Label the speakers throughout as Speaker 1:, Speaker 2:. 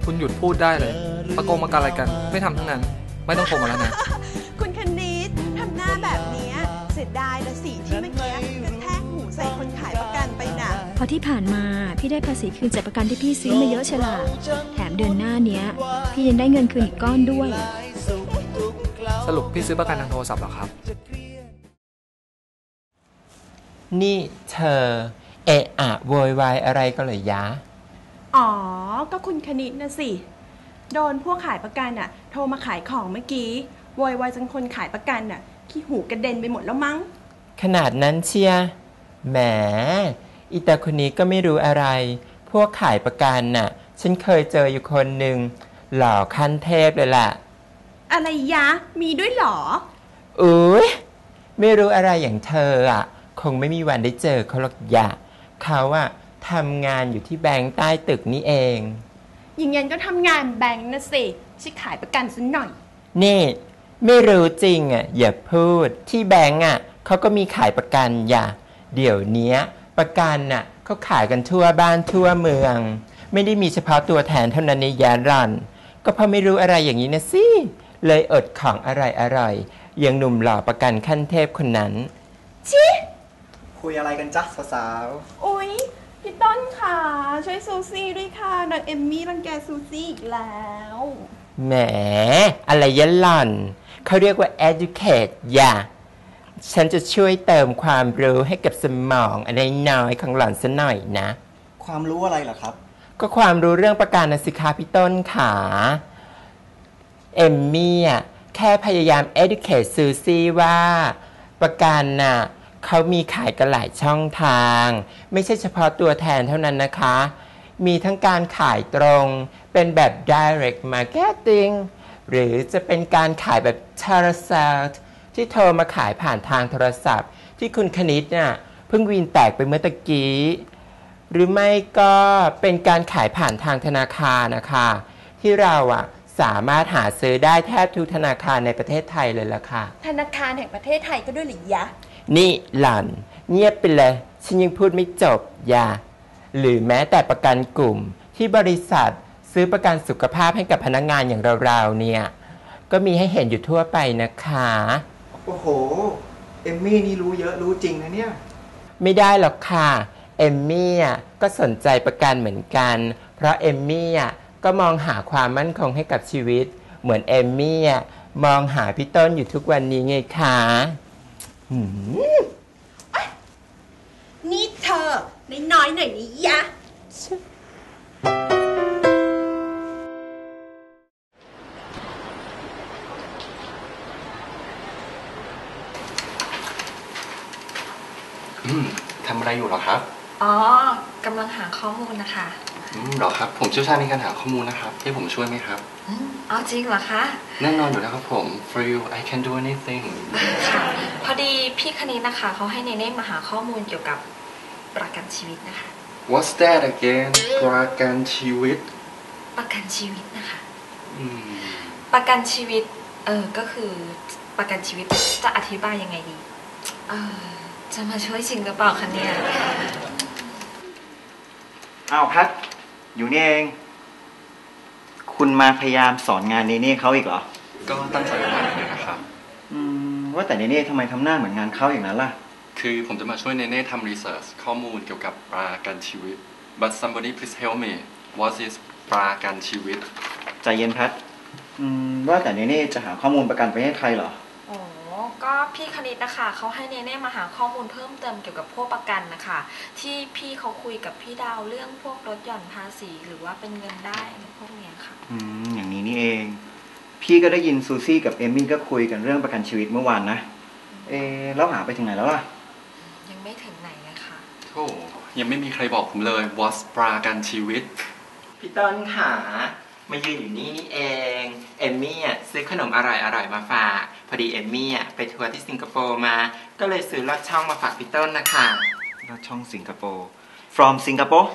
Speaker 1: คุณหยุดพูดได้เลยประโกงมากันอะไรกันไม่ทำทั้งนั้นไม่ต้องโทรมาแล้วนะ
Speaker 2: คุณคณิตทำหน้าแบบนี้เสียดายละสิที่เมื่อกี้กระแทกหูใส่คนขายประกันไปน่ะ
Speaker 3: พอที่ผ่านมาพี่ได้ภาษีคืนจากประกันที่พี่ซื้อมาเยอะเชียวล่ะแถมเดือนหน้าเนี้ยพี่ยังได้เงินคืนอีกก้อนด้วย
Speaker 1: สรุปพี่ซื้อประกันทางโทรศัพท์เหรอครับ
Speaker 4: นี่เธอเอะอะโวยวายอะไรก็เลยยะ
Speaker 2: อ๋อก็คุณคณิตนะสิโดนพวกขายประกันโทรมาขายของเมื่อกี้โวยวายจนคนขายประกันขี้หูกระเด็นไปหมดแล้วมั้ง
Speaker 4: ขนาดนั้นเชียแหมอีตาคนนี้ก็ไม่รู้อะไรพวกขายประกันฉันเคยเจออยู่คนหนึ่งหล่อขั้นเทพเลยล่ะ
Speaker 2: อะไรยะมีด้วยหรอ
Speaker 4: อุ๊ยไม่รู้อะไรอย่างเธอคงไม่มีวันได้เจอเขาหรอกยะเขาทำงานอยู่ที่แบงก์ใต้ตึกนี่เอง
Speaker 2: อย่างงั้นก็ทำงานแบงก์นะสิชิขายประกันสักหน่อย
Speaker 4: นี่ไม่รู้จริงอย่าพูดที่แบงก์เขาก็มีขายประกันเดี๋ยวนี้ประกันเขาขายกันทั่วบ้านทั่วเมืองไม่ได้มีเฉพาะตัวแทนเท่านั้นในยารันก็เพราะไม่รู้อะไรอย่างนี้นะสิเลยอดของอะไรอย่างหนุ่มหล่อประกันขั้นเทพคนนั้น
Speaker 2: ชิ
Speaker 5: คุยอะไรกันจ๊ะสาว
Speaker 2: ๆอุ๊ยพี่ต้นค่ะช่วยซูซี่ด้วยค่ะนางเอมมี่รังแกซูซี่อีกแล้ว
Speaker 4: แหมอะไรยะหล่อนเขาเรียกว่า educate ฉันจะช่วยเติมความรู้ให้กับสมองอะไรน้อยของหล่อนซะหน่อยนะ
Speaker 5: ความรู้อะไรเหรอครับ
Speaker 4: ก็ความรู้เรื่องประกันสิคะพี่ต้นขาเอมมี่แค่พยายาม educate ซูซี่ว่าประกันเขามีขายกันหลายช่องทางไม่ใช่เฉพาะตัวแทนเท่านั้นนะคะมีทั้งการขายตรงเป็นแบบ direct marketing หรือจะเป็นการขายแบบ telesales ที่โทรมาขายผ่านทางโทรศัพท์ที่คุณคณิตเพิ่งวีนแตกไปเมื่อตะกี้หรือไม่ก็เป็นการขายผ่านทางธนาคารนะคะที่เราสามารถหาซื้อได้แทบทุกธนาคารในประเทศไทยเลยล่ะค่ะ
Speaker 2: ธนาคารแห่งประเทศไทยก็ด้วยหรือยะ
Speaker 4: นี่หล่อนเงียบไปเลยฉันยังพูดไม่จบหรือแม้แต่ประกันกลุ่มที่บริษัทซื้อประกันสุขภาพให้กับพนักงานอย่างเราๆเนี่ยก็มีให้เห็นอยู่ทั่วไปนะคะ
Speaker 5: โอ้โหเอมมี่นี่รู้เยอะรู้จริงนะเนี่ย
Speaker 4: ไม่ได้หรอกค่ะเอมมี่ก็สนใจประกันเหมือนกันเพราะเอมมี่ก็มองหาความมั่นคงให้กับชีวิตเหมือนเอมมี่มองหาพี่ต้นอยู่ทุกวันนี้ไงคะ
Speaker 2: นี่เธอน้อยหน่อยนี่ยะ
Speaker 6: ทำอะไรอยู่หรอครับ
Speaker 7: อ๋อกำลังหาข้อมูลนะคะ
Speaker 6: หรอครับผมเชี่ยวชาญในการหาข้อมูลนะครับให้ผมช่วยไหมครับ
Speaker 7: อ๋อจริงเหรอคะ
Speaker 6: แน่นอนอยู่แล้วครับผม for you I can do anything
Speaker 7: ค่ะพอดีพี่คณิตนะคะเขาให้เนเน่มาหาข้อมูลเกี่ยวกับประกันชีวิตนะคะ
Speaker 6: What's that again ประกันชีวิต
Speaker 7: ประกันชีวิตนะคะประกันชีวิตก็คือประกันชีวิตจะอธิบายยังไงดีจะมาช่วยจริงหรือเปล่าคะเนี่ย
Speaker 5: อ้าวแพทอยู่นี่เองคุณมาพยายามสอนงานเนเน่เขาอีกเหรอ
Speaker 6: ก็ตั้งใจมาเลยนะครับ
Speaker 5: ว่าแต่เนเน่ทำไมทำหน้าเหมือนงานเขาอย่างนั้นล่ะ
Speaker 6: คือผมจะมาช่วยเนเน่ทำรีเสิร์ชข้อมูลเกี่ยวกับประกันชีวิต but somebody please help me what is ประกันชีวิต
Speaker 5: ใจเย็นแพทว่าแต่เนเน่จะหาข้อมูลประกันไปให้ใครเหรอ
Speaker 7: ก็พี่คณิตนะคะเขาให้เนเน่มาหาข้อมูลเพิ่มเติมเกี่ยวกับพวกประกันนะคะที่พี่เขาคุยกับพี่ดาวเรื่องพวกลดหย่อนภาษีหรือว่าเป็นเงินได้พวกนี้ค่ะ
Speaker 5: อย่างนี้นี่เองพี่ก็ได้ยินซูซี่กับเอมมี่ก็คุยกันเรื่องประกันชีวิตเมื่อวานนะแล้วหาไปถึงไหนแล้วล่ะ
Speaker 7: ยังไม่ถึงไหนเลยค่ะ
Speaker 6: โอ้ยังไม่มีใครบอกผมเลย What's ประกันชีวิต
Speaker 4: พี่ต้นขามายืนอยู่นี่เองเอมมี่ซื้อขนมอร่อยมาฝากพอดีเอมมี่ไปทัวร์ที่สิงคโปร์มาก็เลยซื้อลอดช่องมาฝากพี่ต้นนะคะ
Speaker 5: ลอดช่องสิงคโปร์ from สิงคโปร์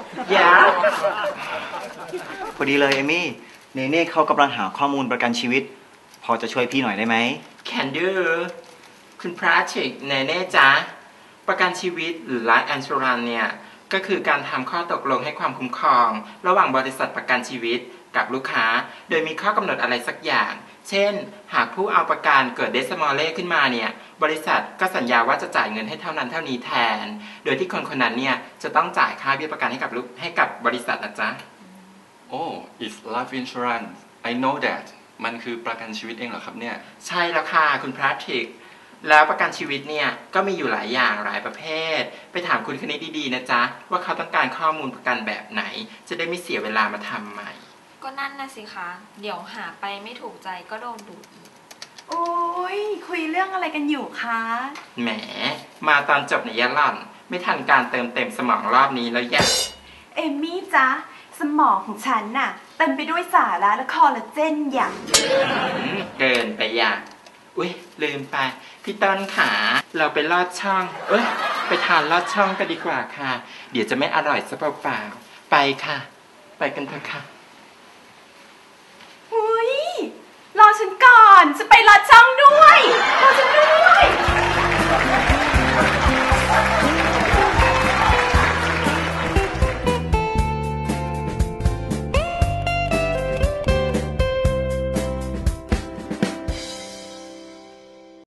Speaker 5: พอดีเลยเอมมี่เนเน่เขากำลังหาข้อมูลประกันชีวิตพอจะช่วยพี่หน่อยได้ไหม
Speaker 4: Can do คุณพระชิกเนเน่จ๊ะประกันชีวิตหรือ Life Insurance เนี่ยก็คือการทำข้อตกลงให้ความคุ้มครอง ระหว่างบริษัทประกันชีวิตกับลูกค้า โดยมีข้อกำหนดอะไรสักอย่าง เช่น หากผู้เอาประกันเกิดเดสมอลเล่ขึ้นมาเนี่ยบริษัทก็สัญญาว่าจะจ่ายเงินให้เท่านั้นเท่านี้แทน โดยที่คนคนนั้นเนี่ยจะต้องจ่ายค่าเบี้ยประกันให้กับบริษัทนะจ๊ะ
Speaker 6: Oh it's life insurance I know that มันคือประกันชีวิตเองเหรอครับเนี่ย
Speaker 4: ใช่แล้วค่ะคุณพระทริกแล้วประกันชีวิตเนี่ยก็มีอยู่หลายอย่างหลายประเภทไปถามคุณคณิตดีๆนะจ๊ะว่าเขาต้องการข้อมูลประกันแบบไหนจะได้ไม่เสียเวลามาทำใหม่
Speaker 7: ก็นั่นนะสิคะ เดี๋ยวหาไปไม่ถูกใจก็โดนดูดอีก
Speaker 2: โอ้ยคุยเรื่องอะไรกันอยู่คะ
Speaker 4: แหมมาตอนจบในยะหล่อนไม่ทันการเติมเต็มสมองรอบนี้แล้วแย่
Speaker 2: เอมมี่จ๊ะสมองของฉันน่ะเต็มไปด้วยสาระและคอลลาเจนอย่าง
Speaker 4: เกินไปอย่างอุ้ยลืมไปพี่ต้นขาเราไปลอดช่องไปทานลอดช่องกันดีกว่าค่ะเดี๋ยวจะไม่อร่อยซะเปล่าๆไปค่ะ ไปกันเถอะค่ะ
Speaker 2: อุ้ยรอฉันก่อนจะไปรอช่องด้วยรอฉันด้วย